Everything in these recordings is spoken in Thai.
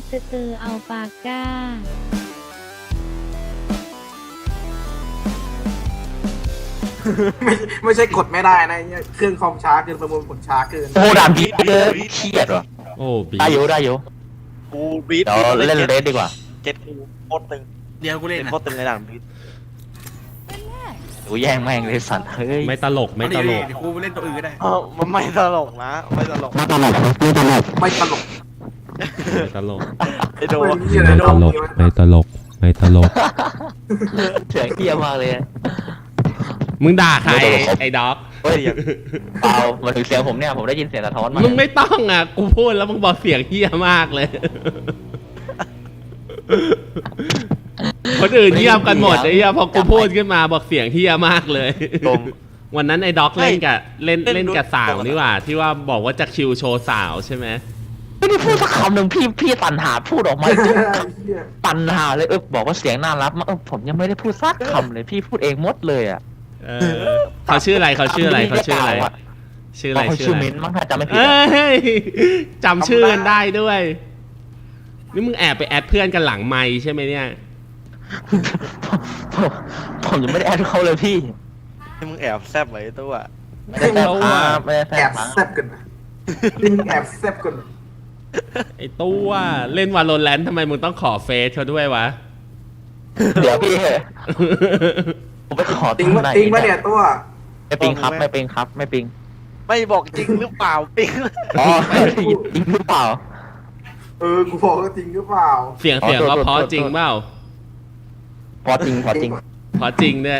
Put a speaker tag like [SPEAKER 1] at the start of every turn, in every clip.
[SPEAKER 1] อัลปาก้า
[SPEAKER 2] ไม่ใช่กดไม่ได้นะเนี่ยเครื่องคอมช้าเกินประมวลผลช้าเกิน
[SPEAKER 3] โอ้ด่านพีเลยเครียดว่ะ
[SPEAKER 4] โอ้บี
[SPEAKER 3] ได้อยู่
[SPEAKER 5] กูบีท
[SPEAKER 3] เดี๋ยวเล่นเลสดีกว่า
[SPEAKER 5] เจ็ดกูโคตรตึง
[SPEAKER 6] เดี๋ยวกูเล่น
[SPEAKER 5] โคตรตึงในด่านบีท
[SPEAKER 3] กูแย่งแม่งเลยสัตว์เฮ้ย
[SPEAKER 4] ไม่ตลกไม่ตลก
[SPEAKER 6] เดี๋ยวกูเล่นตัวอื่นก็ได้
[SPEAKER 5] มันไม่ตลกนะไม่ตลก
[SPEAKER 2] ไม่ตลก
[SPEAKER 4] ไม่ตลก
[SPEAKER 5] ไอโด
[SPEAKER 2] ไม่มีอะไร
[SPEAKER 4] ไม่
[SPEAKER 2] โด
[SPEAKER 4] ต
[SPEAKER 2] น
[SPEAKER 4] ลกไม่ตลกไม่ตลก
[SPEAKER 3] เสียงเฮี้ยมากเลย
[SPEAKER 4] มึงด่าใครไอ้ด็อก
[SPEAKER 3] เฮ้ยเปล่ามาถึงเสียงผมเนี่ยผมได้ยินเสียงสะท้อนมา
[SPEAKER 4] มึงไม่ต้องอ่ะกูพูดแล้วมึงบอกเสียงเฮี้ยมากเลย คนอื่นเงียบกันหมดไอ้เหี้ยพอกูพูดขึ้นมาบอกเสียงเฮี้ยมากเลย วันนั้นไอ้ด็อกเล่นกับสาวนี่หว่าที่ว่าบอกว่าจะคิวโชว์สาวใช่ไหม
[SPEAKER 3] ไม่ได้พูดสักคำหนึ่งพี่ตันหาพูดออกมาตันหาเลยบอกว่าเสียงน่ารักมากผมยังไม่ได้พูดสักคำเลยพี่พูดเองหมดเลยอ่ะ
[SPEAKER 4] เขาชื่ออะไรเขาชื่ออะไรชื่ออะไร
[SPEAKER 3] ชื่อมิ้นมั้งถ้าจำไม่ผิด
[SPEAKER 4] เอ้ยจำชื่อกันได้ด้วยนี่มึงแอบไปแอดเพื่อนกันหลังไมค์ใช่ไหมเนี่ย
[SPEAKER 3] ผมยังไม่ได้แอดเขาเลยพี่
[SPEAKER 5] ให้มึงแอบแซบไว้ตัว
[SPEAKER 3] ไม่ได้แซบครับไม่ได้แซ
[SPEAKER 2] แอ
[SPEAKER 3] บบ ครับ
[SPEAKER 2] แซบกันนะลิงแอบแซบกัน
[SPEAKER 4] ไอ้ตัวเล่นวาโลแรนต์ทำไมมึงต้องขอเฟซเขาด้วยวะ
[SPEAKER 3] เดี๋ยวพี่ผมไปขอ
[SPEAKER 2] ติงว่าเนี่ยตัว
[SPEAKER 3] ไม่ปิงครับไม่ปิงครับไม่ปิง
[SPEAKER 5] ไม่บอกจริงหรือเปล่าปิ๊ง
[SPEAKER 3] อ๋อจริงหรือเปล่า
[SPEAKER 2] กูบอกว่าจริงหรือเปล่า
[SPEAKER 4] เสียงก็เพราะจริงเปล่า
[SPEAKER 3] พอจริง
[SPEAKER 4] เพราะจริงเนี่ย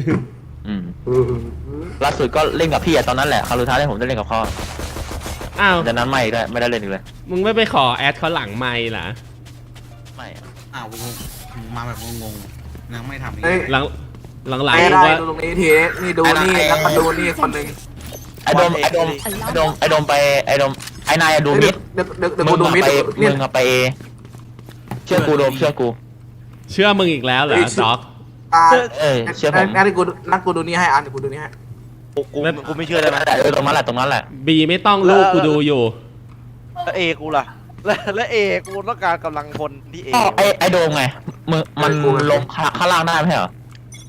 [SPEAKER 3] ล่าสุดก็เล่นกับพี่อะตอนนั้นแหละคราวสุดท้ายที่ผมได้เล่นกับเขา
[SPEAKER 4] อ้าว
[SPEAKER 3] จากนั้นไม่ได้เล่นอีกเลย
[SPEAKER 4] มึงไม่ไปขอแอดเขาหลังไมค์เหรอ
[SPEAKER 3] ไม่
[SPEAKER 6] อ้าวมาแบบงงๆยังไม่ทำอีก
[SPEAKER 2] เฮ้ย
[SPEAKER 4] หลัง
[SPEAKER 2] ไม่
[SPEAKER 4] มึ
[SPEAKER 2] ได้
[SPEAKER 4] งว่า
[SPEAKER 2] ดูตรงนี้ทีนี่ดูนี่แล้วมาดูนี่คนหนึ่ง
[SPEAKER 3] ไอโดมไปไอนายดูมิด
[SPEAKER 2] เดี๋ยว
[SPEAKER 3] มึ
[SPEAKER 2] กู
[SPEAKER 3] ง
[SPEAKER 2] ดูมิด
[SPEAKER 3] ไป
[SPEAKER 2] เนี่ย
[SPEAKER 3] มึงไปเชื่อกูโดมเชื่อกู
[SPEAKER 4] เชื่อมึงอีกแล้วเหรอด็อก
[SPEAKER 3] เชื่อผม
[SPEAKER 2] งั้นกูดูนี่ให้อันเดี๋ยวกูดูนี่ให้
[SPEAKER 5] กูไม่เชื่อได้ไหม
[SPEAKER 3] ตรงนั้นแหละ
[SPEAKER 4] บีไม่ต้องลูกกูดูอยู่
[SPEAKER 5] แล้วเอกูล่ะและเอกูต้องการกำลังพลที่เอ
[SPEAKER 3] ไอโดมไงมันลงข้างล่างได้ไหมเหรอ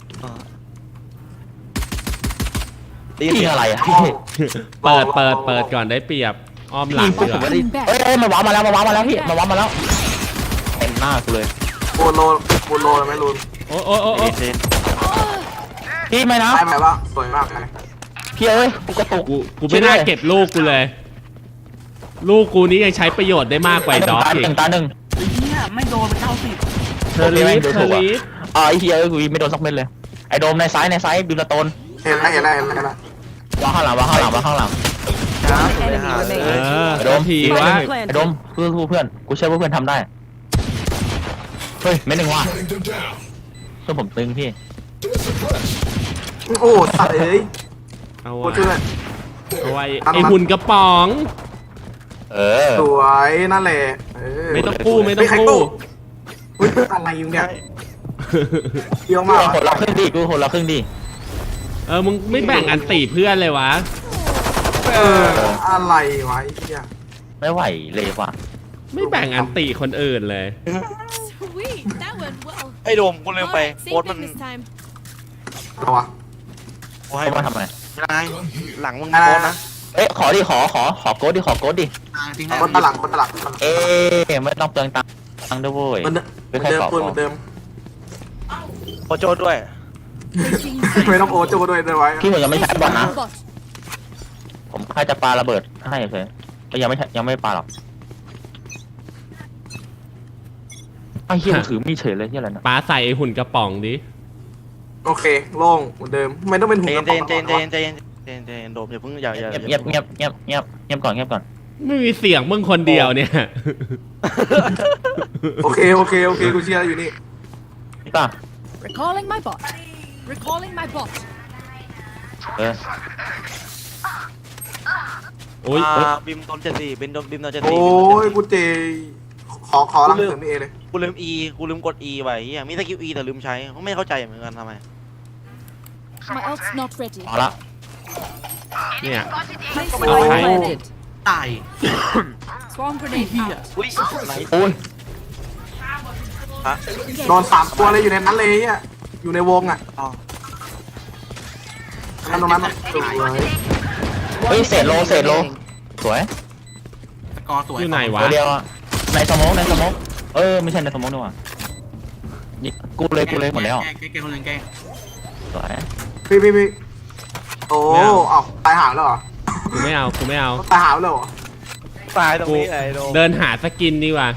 [SPEAKER 3] พี่อะไรอะพี่
[SPEAKER 4] เปิดก่อนได้เปรียบอ้อมหลัง
[SPEAKER 3] ผม
[SPEAKER 4] ดีกว่า
[SPEAKER 3] ไม่ได้เอ้ยมาว้ามาแล้วพี่มาว้ามาแล้วเต็มหน้ากูเลย
[SPEAKER 2] โบโลไหมลูน
[SPEAKER 4] โอ้
[SPEAKER 3] พี่ไม่นะ
[SPEAKER 2] ได้ไหมวะสวยมากเลย
[SPEAKER 3] พี่เอ้ยกูกระตุก
[SPEAKER 4] กูไม่น่าเก็บลูกกูเลย ลูกกูนี้ยังใช้ประโยชน์ได้มากกว่าด็อกอีก
[SPEAKER 3] ตาหนึ่ง
[SPEAKER 6] ไอ้เหี้ยไม่โดนไป90
[SPEAKER 4] เทอร์ลีฟ
[SPEAKER 3] ไอ้เฮียกูไม่โดนสักเม็ดเลยไอ้โดมในซ้ายบิวตาโตน
[SPEAKER 2] เห็นแล้ว
[SPEAKER 3] วางข้างหลัง
[SPEAKER 4] โดมทีวะ
[SPEAKER 3] ไอ้โดมเพื่อนกูเชื่อว่าเพื่อนทำได้เฮ้ยเม็ดหนึ่งว่ะเพื่อนผมตึงพี่
[SPEAKER 2] โอ้สัตว์เอ้ย
[SPEAKER 4] เอา
[SPEAKER 2] กูช่วย
[SPEAKER 4] ไว้ไอหุ่นกระป๋อง
[SPEAKER 2] สวยนั่นแหละ
[SPEAKER 4] ไม่ต้องกู้
[SPEAKER 2] อุ้ยอะไรอยู่เนี่ยเยอะมาก
[SPEAKER 3] คนละครึ่งดี
[SPEAKER 4] มึงไม่แบ่งอันตีเพื่อนเลยวะ
[SPEAKER 2] อะไรวะไอ้เหี้ย
[SPEAKER 3] ไม่ไหวเลยว่ะ
[SPEAKER 4] ไม่แบ่งอันตีคนอื่นเลย
[SPEAKER 5] ไอโดมกูลืมไปโค้ดมัน
[SPEAKER 2] เอาวะ
[SPEAKER 5] กูให้
[SPEAKER 3] เขามาทำไม
[SPEAKER 5] นายหลังมึงโค้ดนะ
[SPEAKER 3] เอ๊ะขอโค้ดดิ
[SPEAKER 6] จริง
[SPEAKER 2] คนตลัง
[SPEAKER 3] เอ๊ะไม่ต้องเปลืองตังค์ด้วยเว้ย
[SPEAKER 2] เหมือนเดิม
[SPEAKER 5] โคโจด้วย
[SPEAKER 2] ไม่ต้องโอโจ้ด้วยไว้
[SPEAKER 3] พี่ผมยังไม่ใช้บอลนะผมแค่จะปาระเบิดให้เฉยยังไม่ปาหรอกไอ้เหี้ยถือมีเฉยเลยที่อะไรนะ
[SPEAKER 4] ป้าใส่ไอหุ่นกระป๋องดิ
[SPEAKER 2] โอเคโล่งเหมือนเดิมไม่ต้องเป็นหุ่น
[SPEAKER 5] เจนโดมอย่าเพิ่งอย่า
[SPEAKER 3] เงียบก่อน
[SPEAKER 4] ไม่มีเสียงมึงคนเดียวเนี่ย
[SPEAKER 2] โอเคกูเชียร์อยู่นี่
[SPEAKER 3] พี่ป่ะ
[SPEAKER 1] Recalling my bot
[SPEAKER 4] โอ้ย
[SPEAKER 5] บิมโดน74บิมโดน74
[SPEAKER 2] โอ้ยกูเจขอรังเสริมนี่เอเลย
[SPEAKER 5] กูลืม E กูลืมกด E ไว้เฮียมีสกิล E แต่ลืมใช้ไม่เข้าใจเหมือนกันทำไม
[SPEAKER 1] My ult's not ready
[SPEAKER 3] พอละ
[SPEAKER 4] เนี่ย
[SPEAKER 1] Place
[SPEAKER 4] Okay.
[SPEAKER 1] planted
[SPEAKER 6] ตาย
[SPEAKER 1] Swarm grenade out
[SPEAKER 5] อุ้ยไหน
[SPEAKER 3] โอ้ย
[SPEAKER 5] ฮะ
[SPEAKER 2] โดน3 ตัวเลยอยู่ในนั้นเลยอ่ะอยู่ในวงอ่ะ
[SPEAKER 5] อ๋อ
[SPEAKER 2] ตรงนั้นน่ะสวย
[SPEAKER 3] เฮ้ยเศษโลสวย
[SPEAKER 6] สกอร์สวย
[SPEAKER 4] อยู่ไหนวะ
[SPEAKER 3] ตัวเดียวอะในสโมกไม่ใช่ในสโมกนี่หว่านี่กูเลยหมดแล้ว
[SPEAKER 6] แกคนหนึ่งแก
[SPEAKER 3] สวย
[SPEAKER 2] พี่โอ้เอ้าตายหาวแล้วเหรอ
[SPEAKER 4] กูไม่เอา
[SPEAKER 2] ตายหาวแล้วเหรอ
[SPEAKER 5] ตายตรงนี้ไอ้โดม
[SPEAKER 4] เดินหาสกินดีกว่า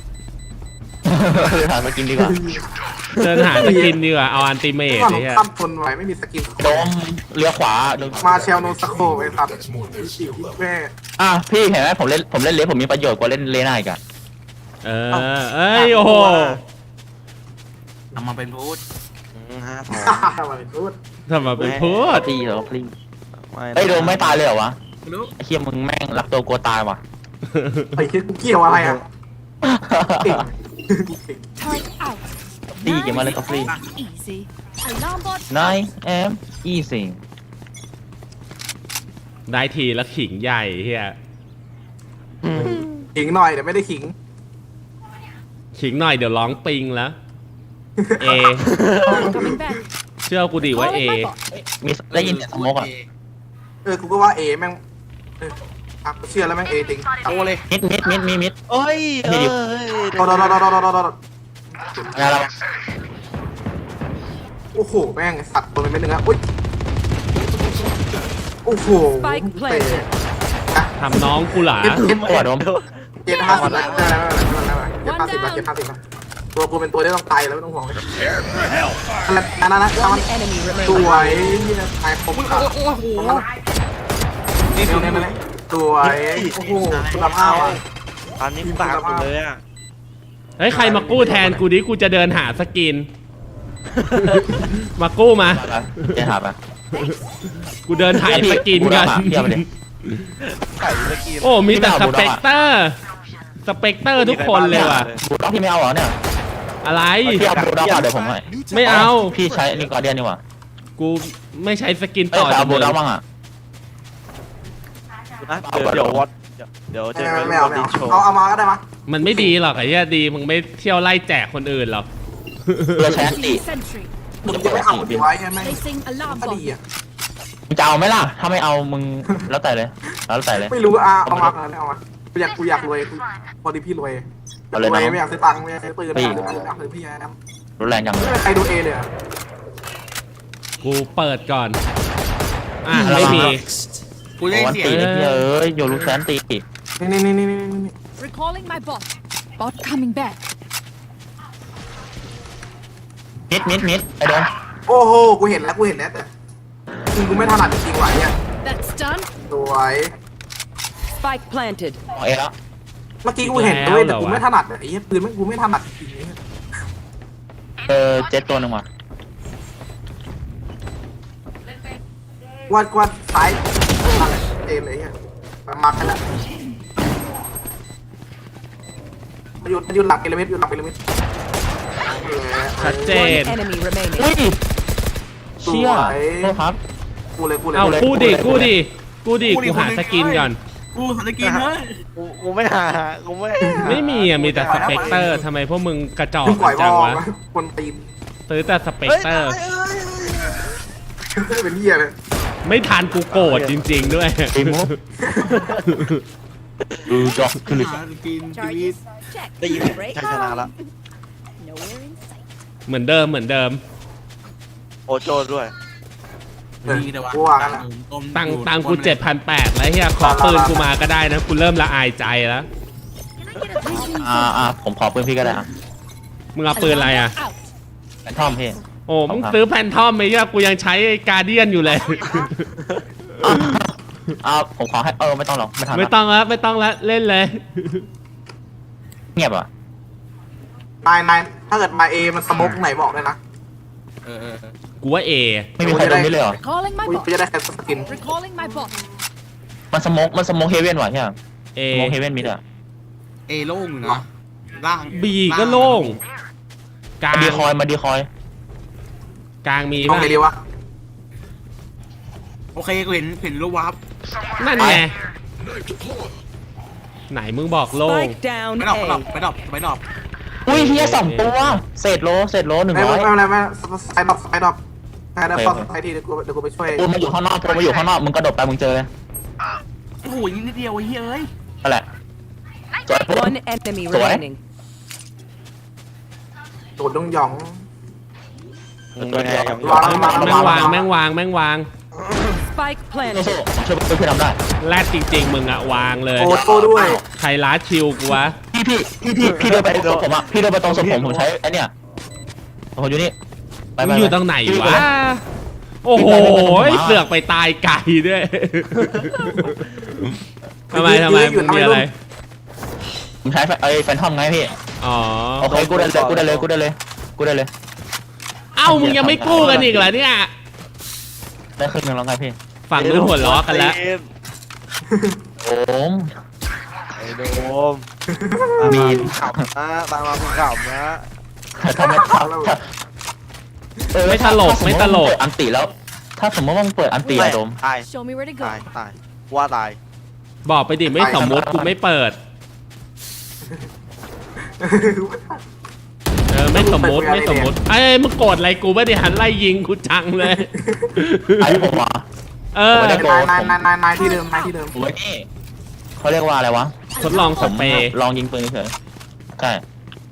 [SPEAKER 3] เลยผ่านมากินดีกว่า
[SPEAKER 4] เดินหาสกินดีกว่าเอาอันติเมท
[SPEAKER 2] ว่า
[SPEAKER 4] เล
[SPEAKER 2] ผม
[SPEAKER 4] ยฮะ
[SPEAKER 2] ตั้มทนไว้ไม่มีสกิน
[SPEAKER 3] โดมเลี้ยวขวาโดม
[SPEAKER 2] มาเชลโนสโคไปครับแม่
[SPEAKER 3] พี่เห็นไหมผมเล่นเลสผมมีประโยชน์กว่าเล่นเลน่าอีกอะ
[SPEAKER 4] เอ้ยโอ้โห
[SPEAKER 6] ทำมาเป็นพูด
[SPEAKER 5] ฮะ
[SPEAKER 2] ทำไมพูด
[SPEAKER 4] ทำมาเป็นพูด
[SPEAKER 3] ตีเหรอพลีเฮ้ยโดมไม่ตายเลยเหรอวะ
[SPEAKER 6] ไม่รู้
[SPEAKER 3] ไอ้เหี้ยมึงแม่งรักตัวกลัวตายว่ะ
[SPEAKER 2] ไอ้คิดกูเกี่ยวอะไรอ่ะเก่ง
[SPEAKER 1] Turret out.
[SPEAKER 3] ตีเก็บมาเลยก็ฟรี
[SPEAKER 1] Easy. Alarm bot.
[SPEAKER 3] 9 am easy
[SPEAKER 4] ได้ทีละขิงใหญ่เฮีย
[SPEAKER 2] ขิงหน่อยเดี๋ยวไม่ได้ขิง
[SPEAKER 4] ขิงหน่อยเดี๋ยวร้องปิงแล้วเอ
[SPEAKER 1] Coming back.
[SPEAKER 4] เชื่อกูดิว่าเอ
[SPEAKER 1] Calling my bot.
[SPEAKER 3] มีได้ยินเสียงสโมกอ่ะ
[SPEAKER 2] กูก็ว่าเอแม่งกูเชื่อแล้วแม่งเอจริง
[SPEAKER 5] โอ้เลย
[SPEAKER 3] มิด
[SPEAKER 5] เอ้ย
[SPEAKER 2] โดน
[SPEAKER 3] อะไร
[SPEAKER 2] โอ้โหแม่งสัตว์ตัวเป็นเม็ดนึงอ่ะอุ้ยโอ้โห
[SPEAKER 4] ทำน้องกูหลา
[SPEAKER 3] ตัวโดม
[SPEAKER 2] 750แล้ว750ตัวกูเป็นตัวที่ต้องตายแล้วไม่ต้องห่วงเลยนั่นนะสวยตายคมครับนี่สวยโอ้โหคุณภาพอ่ะ
[SPEAKER 5] อันนี้ปากกูเลยอ่ะ
[SPEAKER 4] เฮ้ยใครมากู้แทนกูดิกูจะเดินหาสกิน มากู้มา
[SPEAKER 3] เจ๊หาปะ
[SPEAKER 4] กูเดินถ่ายสกินกัน
[SPEAKER 3] เทียบไปเลย
[SPEAKER 5] ไข่ตะกี้
[SPEAKER 4] โอ้มีแต่สเปกเตอร์ทุกคนเลยว่ะ
[SPEAKER 3] บูด็อกพี่ไม่เอาเหรอเนี่ย
[SPEAKER 4] อะไร
[SPEAKER 3] พี่เอาบูด็อกมาเดี๋ยวผมให้
[SPEAKER 4] ไม่เอา
[SPEAKER 3] พี่ใช้นี่กอร์เดียนนี่หว่า
[SPEAKER 4] กูไม่ใช้สกิน
[SPEAKER 3] เอ้
[SPEAKER 4] ต่
[SPEAKER 3] ย
[SPEAKER 4] อ
[SPEAKER 3] แต่
[SPEAKER 4] จา
[SPEAKER 3] เอา
[SPEAKER 4] ก
[SPEAKER 3] บู
[SPEAKER 4] มึง
[SPEAKER 3] ด็อกบ้างอ่ะ
[SPEAKER 5] เดี๋ยววอตเดี๋ยวจะเป็น
[SPEAKER 2] ไม่เอา
[SPEAKER 5] วอตดิโชว์
[SPEAKER 2] เอามาก็ได้มะ
[SPEAKER 4] มันไม่ดีหรอกไอ้เหี้ยดีมึงไม่เที่ยวไล่แจกคนอื่นหรอก
[SPEAKER 3] เพื่อใช้อันติ
[SPEAKER 1] Sentry.
[SPEAKER 2] มึงจะไม่เอาไว้ใช่ไหม
[SPEAKER 1] Placing alarm
[SPEAKER 2] ก็
[SPEAKER 1] bot.
[SPEAKER 2] ดีอ่ะ
[SPEAKER 3] มึงจะเอาไหมล่ะ ถ้าไม่เอามึงแล้วแต่เลย
[SPEAKER 2] ไม่รู้เอามาเอามากูอยากรวยพอดีพี่รวย
[SPEAKER 3] เอาเลย
[SPEAKER 2] รวย
[SPEAKER 3] นะ
[SPEAKER 2] ไม่อยากซื้อตังค์ไม่อยากซื้อปืนไม่อยากซื้อพี่นะ
[SPEAKER 3] รุนแรงจัง
[SPEAKER 2] ไม่มีใครดูเอเลยอ่ะ
[SPEAKER 4] กูเปิดก่อนไม่มี
[SPEAKER 6] กู
[SPEAKER 3] โอ้
[SPEAKER 6] ได้
[SPEAKER 3] อัน
[SPEAKER 6] เสีย
[SPEAKER 3] ติ
[SPEAKER 6] ง
[SPEAKER 3] เลยพี่เอ้ยโยรู้แซนตี
[SPEAKER 2] นี่
[SPEAKER 1] Recalling my bot. Bot coming back.
[SPEAKER 3] มิดไอ้โดม
[SPEAKER 2] โอ้โหกูเห็นแล้วแต่กูไม่ถนัดจริงๆว่ะเนี่ย
[SPEAKER 1] That's done.
[SPEAKER 2] สวย
[SPEAKER 7] Spike planted.
[SPEAKER 3] เอาเอแล้ว
[SPEAKER 2] เมื่อกี้กูเห็นด้วยแต่กูไม่ถนัดไอ้เหี้ยปืนกูไม่ถนัดจริง
[SPEAKER 3] เจ็ตตัวหนึ่งว่ะ
[SPEAKER 2] ๆว่าซ้ายอะไรเอเลยเนี่ยมากันแล้วหยุดหลักเอลิเมนต์
[SPEAKER 4] ชัดเจน
[SPEAKER 7] One enemy remaining.
[SPEAKER 3] อุ้ยเชี่ยโทษครับ
[SPEAKER 2] กูเลย
[SPEAKER 4] เอากู้ดิกูหาสกินก่อน
[SPEAKER 6] กูหันตะกินเฮ้ย
[SPEAKER 5] กูไม่หากูไม่
[SPEAKER 4] ไม่มีอ่ะมีแต่สเปกเตอร์ทำไมพวกมึงกระจอก
[SPEAKER 2] ปล่อยบ
[SPEAKER 4] จั
[SPEAKER 2] อง ล
[SPEAKER 4] วะ
[SPEAKER 2] คนตีน
[SPEAKER 4] ซื้อแต่สเปกเตอร์
[SPEAKER 2] เป็นเหี้ยเลย
[SPEAKER 4] ไม่ทันกูโกรธจริง ๆ ด้วย
[SPEAKER 3] ตีมุกดูด็อกคือ
[SPEAKER 6] หาตะกินชีวิต
[SPEAKER 1] Charges. Check.
[SPEAKER 5] ได้ยินชัยชนะละ
[SPEAKER 1] Nowhere in sight.
[SPEAKER 4] เหมือนเดิม
[SPEAKER 5] โอโจด้วย
[SPEAKER 6] ดีแต่ว่า
[SPEAKER 4] ตังกู7,800แล้วเฮียขอปืนกูมาก็ได้นะกูเริ่มละอายใจแล้ว
[SPEAKER 3] ผมขอปืนพี่ก็ได้อ่ะ
[SPEAKER 4] มึงเอาปืนอะไรอ่ะ
[SPEAKER 1] Out.
[SPEAKER 3] แฟนทอมพี่
[SPEAKER 4] โอ้มึงซื้อแพนทอมไหมเฮียกูยังใช้การเดียนอยู่เลย
[SPEAKER 3] ผมขอให้ไม่ต้องหรอกไม่ทัน
[SPEAKER 4] ไม่ต้องแล้วเล่นเลย
[SPEAKER 3] เงียบอ่ะ
[SPEAKER 2] นายถ้าเกิดมาเอมันสโมกไหนบอกเลยนะ
[SPEAKER 4] กูว่าเอ
[SPEAKER 3] ไม่มีใครโดนนี่เลยเหรอ
[SPEAKER 1] Recalling my
[SPEAKER 2] กู
[SPEAKER 1] bot.
[SPEAKER 2] จะได้แค่สกิน
[SPEAKER 1] Recalling my bot.
[SPEAKER 3] มันสโมกเฮเว่นว่ะใช่ไหม
[SPEAKER 4] เอ
[SPEAKER 3] สโมกเฮเว่นมิดอ่ะ
[SPEAKER 6] เอโล่งอยู่นะล่าง
[SPEAKER 4] บีก็โล่งกลาง
[SPEAKER 3] มาดีคอย
[SPEAKER 4] กลางมี
[SPEAKER 2] ต้อง
[SPEAKER 4] ป่ะ
[SPEAKER 2] ไงดีวะ
[SPEAKER 6] โอเคกูเห็นรูปวับ
[SPEAKER 4] นั่นไงไหนมึงบอกโล่ง
[SPEAKER 7] Spike down
[SPEAKER 6] ไปดรอป
[SPEAKER 7] A.
[SPEAKER 6] ไปดรอป
[SPEAKER 3] อุ้ยเฮีย2 ตัวเศษโล100
[SPEAKER 2] ไม่ไซด์ดรอปไซด์ดรอปไซด์ทีเดี๋ยวกูไปช่วย
[SPEAKER 3] ปูมาอยู่ข้างนอกมึงกระโดดไปมึงเจอเลย
[SPEAKER 6] โอ้โหยิงนิดเดียวไอ้เหี้ยเอ้ย
[SPEAKER 3] นั่นแหละสวยปู
[SPEAKER 7] One enemy
[SPEAKER 3] Sorry?
[SPEAKER 7] remaining.
[SPEAKER 2] โดดหยอง
[SPEAKER 5] เป็นไงอย่าง
[SPEAKER 4] แม่งวาง
[SPEAKER 7] Spike
[SPEAKER 3] โซ่
[SPEAKER 7] planted.
[SPEAKER 3] ช่วยพี่ทำได้
[SPEAKER 4] แรดจริงๆมึงอะวางเลย
[SPEAKER 2] โอโต้ด้วย
[SPEAKER 4] ใครล้าชิวกูวะ
[SPEAKER 3] พี่เดินไปตรงศพผมอ่ะพี่เดินไปตรงศพผมใช้ไอ้เนี่ยผมอยู่นี่ไป
[SPEAKER 4] มึงอยู่ตรงไหนวะ โอ้โหเสือกไปตายไก่ด้วยทำไมมึงมีอะไร
[SPEAKER 3] ผมใช้ไอ้แฟนทอมไงพี่
[SPEAKER 4] อ๋อ
[SPEAKER 3] โอเคกูได้เลย
[SPEAKER 4] เอ้ามึงยังไม่กู้กันอีกเหรอเนี่ย
[SPEAKER 3] ได้ครึ่งนึงแล้วไงพี่
[SPEAKER 4] ฝั่งนู้นหัวล้อกันแล้ว
[SPEAKER 3] โอ้ม
[SPEAKER 5] ไอ้โดม
[SPEAKER 3] มี
[SPEAKER 5] ขำนะตามมาคุณขำนะ
[SPEAKER 3] ถ้าไม่
[SPEAKER 4] ไม่ตลก
[SPEAKER 3] อันติแล้ว ถ้าสมมติว่ามึงเปิดอันติอะโดม
[SPEAKER 5] ตาย
[SPEAKER 1] Show me where to go.
[SPEAKER 5] ตายว่าตาย
[SPEAKER 4] บอกไปดิไม่สมมติกูไม่เปิด ไม่สมมติไอ้มึงโกรธอะไรกูไม่ได้หันไล่ยิงกูจังเลย
[SPEAKER 3] ไอ้ผมอ่ะ
[SPEAKER 2] นายที่เดิม
[SPEAKER 3] ผมไว้นี่เขาเรียกว่าอะไรวะ
[SPEAKER 4] ทดลองสเปรย์
[SPEAKER 3] ลองยิงปืนเฉยใช่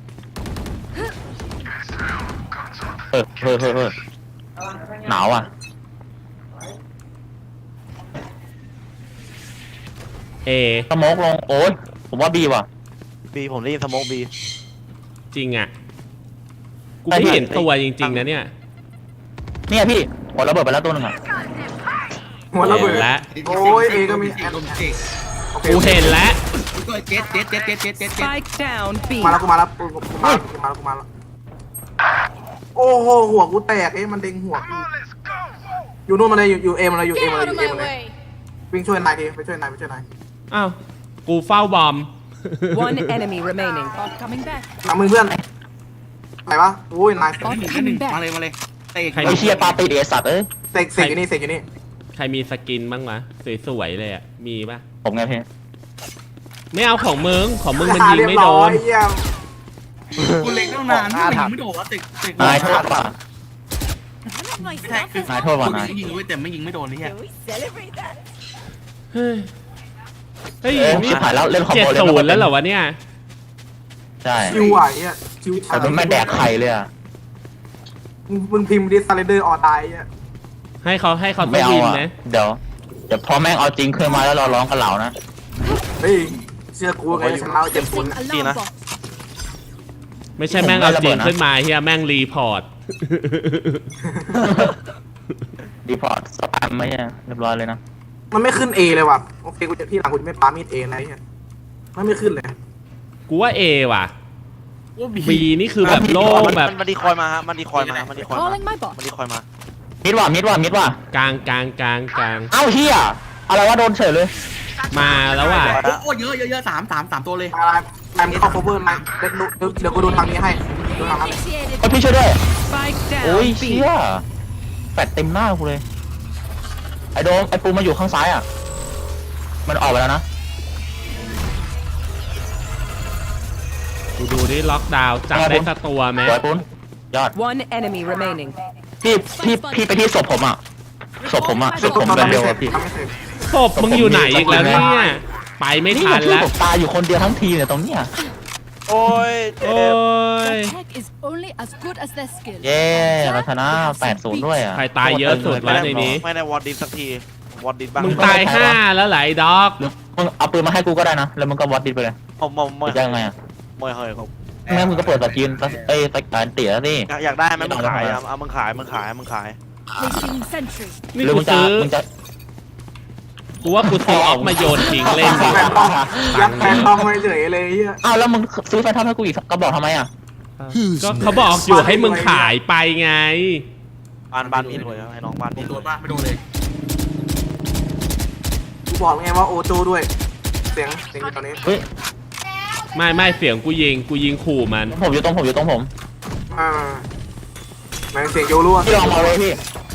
[SPEAKER 3] เฮ้ยหนาวอ่ะ
[SPEAKER 4] เอ
[SPEAKER 3] สโมกลงโอ้ยผมว่าบีว่ะ
[SPEAKER 5] บีผมได้ยินสโมกบี
[SPEAKER 4] จริงอ่ะ กูไม่เห็นตัวจริงๆนะเนี่ย
[SPEAKER 3] เนี่ยพี่หัวระเบิดไปแล้วตัวหนึงอ่ะ
[SPEAKER 2] หัวระเบิด
[SPEAKER 4] แล้ว
[SPEAKER 2] โอ้ยเอก็มี
[SPEAKER 6] โดนเจ๊ก
[SPEAKER 4] กูเห็นแล้ว
[SPEAKER 6] ตัวเจ็ด
[SPEAKER 7] Spike down B.
[SPEAKER 2] มาแล้วกูมาแล้วโอ้โหหัวกูแตกมันเด้งหัวอยู่นู่นมาเลยอยู่เอมาเลย
[SPEAKER 1] Get out of my way.
[SPEAKER 2] วิ่งช่วยนายทีไปช่วยนาย
[SPEAKER 4] อ้าว กูเฝ้าบอม
[SPEAKER 7] One enemy remaining.
[SPEAKER 1] Bot coming back.
[SPEAKER 2] ทำมือเพื่อนไหนวะโอ้ยนาย
[SPEAKER 1] Bot
[SPEAKER 6] 1
[SPEAKER 1] coming
[SPEAKER 6] มา
[SPEAKER 1] back.
[SPEAKER 6] เลยเตะ
[SPEAKER 4] ใคร
[SPEAKER 3] ไอ้เชียปาติเอสัตว์เอ้ย
[SPEAKER 2] เสกอยู่นี่
[SPEAKER 4] ใครมีสกินบ้างวะสวยๆเลยอ่ะ มีปะ
[SPEAKER 3] ผมไงพี่
[SPEAKER 4] ไม่เอาของมึงมันยิงไม่โดน
[SPEAKER 6] กูเล็งตั้งนานไม่โดนแล้วเตะ
[SPEAKER 3] นายโทษว่ะ
[SPEAKER 6] แท็กคือน
[SPEAKER 3] ายโทษว่ะนาย
[SPEAKER 6] ยิงไว้แต่ไม่ยิงไม่โดนนี่แฮะ
[SPEAKER 4] เฮ้ย
[SPEAKER 3] เอ้ยชิบหายแล้วเล่นคอม
[SPEAKER 4] เจ็ด
[SPEAKER 3] โบ
[SPEAKER 4] ศูนย์แล้วเหรอวะเนี่ย
[SPEAKER 3] ใช่
[SPEAKER 2] ชิวไหวอ่ะชิว
[SPEAKER 3] แต่มันไม่แดกไข่เลยอ่ะ
[SPEAKER 2] มึงพิมพ์ดิสไลเดอร์ออตายอ่ะ
[SPEAKER 4] ให้เขา
[SPEAKER 3] ไม่
[SPEAKER 4] ต้
[SPEAKER 3] เอา
[SPEAKER 4] วิน
[SPEAKER 3] อ่ะ
[SPEAKER 4] นะ
[SPEAKER 3] เดี๋ยวพอแม่งเอาจริงขึ้นมาแล้วเราร้องกันเหล่านะ
[SPEAKER 2] เฮ้ยเชื่อกูไงฉันเล่าเจ็บคน
[SPEAKER 1] Placing alarm bot.
[SPEAKER 4] ไม่ใช่แม่งเอาจริงขึ้นมาเฮียแม่งรีพอร์ต
[SPEAKER 3] ดีพอร์ตสแปมไหมเนี่ยเรียบร้อยเลยนะ
[SPEAKER 2] มันไม่ขึ้น A เลยว่ะโอเคกูจะที่หลังกูจะไม่ปามีด A นะเนี่ยมันไม่ขึ้นเลย
[SPEAKER 4] กูว่าเอว่ะบีนี่คือแบบโล่งแบบ
[SPEAKER 5] มันดีคอยมาฮะมันดีคอยมา
[SPEAKER 1] Calling my bot.
[SPEAKER 5] มันดีคอยมา
[SPEAKER 3] มิดว่ะ
[SPEAKER 4] กลาง
[SPEAKER 3] เอ้าเฮียอะไรวะโดนเฉยเลย
[SPEAKER 4] มาแล้วว่ะ
[SPEAKER 6] โอ้เยอะ3ตัวเลย
[SPEAKER 2] นายไม่เข้า cover นายเดี๋ยวกูดูทางนี้ให้ดูทางนั้น
[SPEAKER 1] Initiated.
[SPEAKER 3] โอ้ยพี่ช่วยด้วย
[SPEAKER 7] Spike
[SPEAKER 3] โอ้ย
[SPEAKER 7] down
[SPEAKER 3] เชี่
[SPEAKER 7] B.
[SPEAKER 3] ยแฟดเต็มหน้ากูเลยไอ้โดมไอ้ปูมาอยู่ข้างซ้ายอ่ะมันออกไปแล้วนะ
[SPEAKER 4] กูดูดิล็อกดาวน์จับได้สักตัวไหม
[SPEAKER 3] สวยปุ้นยอด
[SPEAKER 7] One enemy remaining.
[SPEAKER 3] พี่ไปที่ศพผมอ่ะศพผมเร็วๆอ่ะพี่
[SPEAKER 4] ศพมึงอยู่ไหนอีกแล้วเนี่ย ไปไม่
[SPEAKER 3] นี่
[SPEAKER 4] ทั
[SPEAKER 3] มัน นชื่อ
[SPEAKER 4] แล้ว
[SPEAKER 3] ผมตายอยู่คนเดียวทั้งทีเนี่ยตรงเนี้ย
[SPEAKER 5] โอ้ยเจ็
[SPEAKER 4] โอ้
[SPEAKER 5] บ
[SPEAKER 4] ย
[SPEAKER 1] Their tech is only as good as their skill.
[SPEAKER 3] เย้เราชนะ8-0ด้วยอ่ะ
[SPEAKER 4] ใครตายเยอะสุดวะในนี้
[SPEAKER 5] ไม่ได้วอร์ดินสักทีวอร์ดินบ้าง
[SPEAKER 4] มึงตาย5แล้วไหลด็อก
[SPEAKER 3] มึงเอาปืนมาให้กูก็ได้นะแล้วมึงก็วัดดิไปเลย
[SPEAKER 5] ไม่
[SPEAKER 3] จะยังไงอ่ะ
[SPEAKER 5] ไม่เฮ้ยครับ
[SPEAKER 3] งั้นมึงก็เปิดตะกินเอ้ยตะการเตี๋ยสิ
[SPEAKER 5] อยากได้ไหมมึงขายเอามึงขาย
[SPEAKER 1] Placing sentry.
[SPEAKER 4] นี่
[SPEAKER 3] หรือ
[SPEAKER 4] กู
[SPEAKER 3] มึงจะ
[SPEAKER 4] ซื้อ
[SPEAKER 3] มึงจะ
[SPEAKER 4] กูว่ากูซื้อออกมาโยนทิ้งเล่นดี
[SPEAKER 2] ยัดแฟนทอมไปเฉยเลยเฮีย
[SPEAKER 3] อ้าวแล้วมึงซื้อแฟนทอมให้กูอีกก็บอกทำไมอ่ะ
[SPEAKER 4] ก็เขาบอกอยู่ให้มึงขายไปไง
[SPEAKER 5] บ้านพี่รวยให้น้องบ้านพี่ร
[SPEAKER 6] โด
[SPEAKER 5] วย
[SPEAKER 6] นบ้าไม่โดนเลย
[SPEAKER 2] กูบอกไงว่าโอโจด้วยเสียงอยู่ตอนนี้
[SPEAKER 3] เฮ้ย
[SPEAKER 4] ไม่เสียงกูยิงขู่มัน
[SPEAKER 3] ผมอยู่ตรงผม
[SPEAKER 2] แม่งเสียงโยรั่ว
[SPEAKER 3] พี่ลองเอาเลยพี่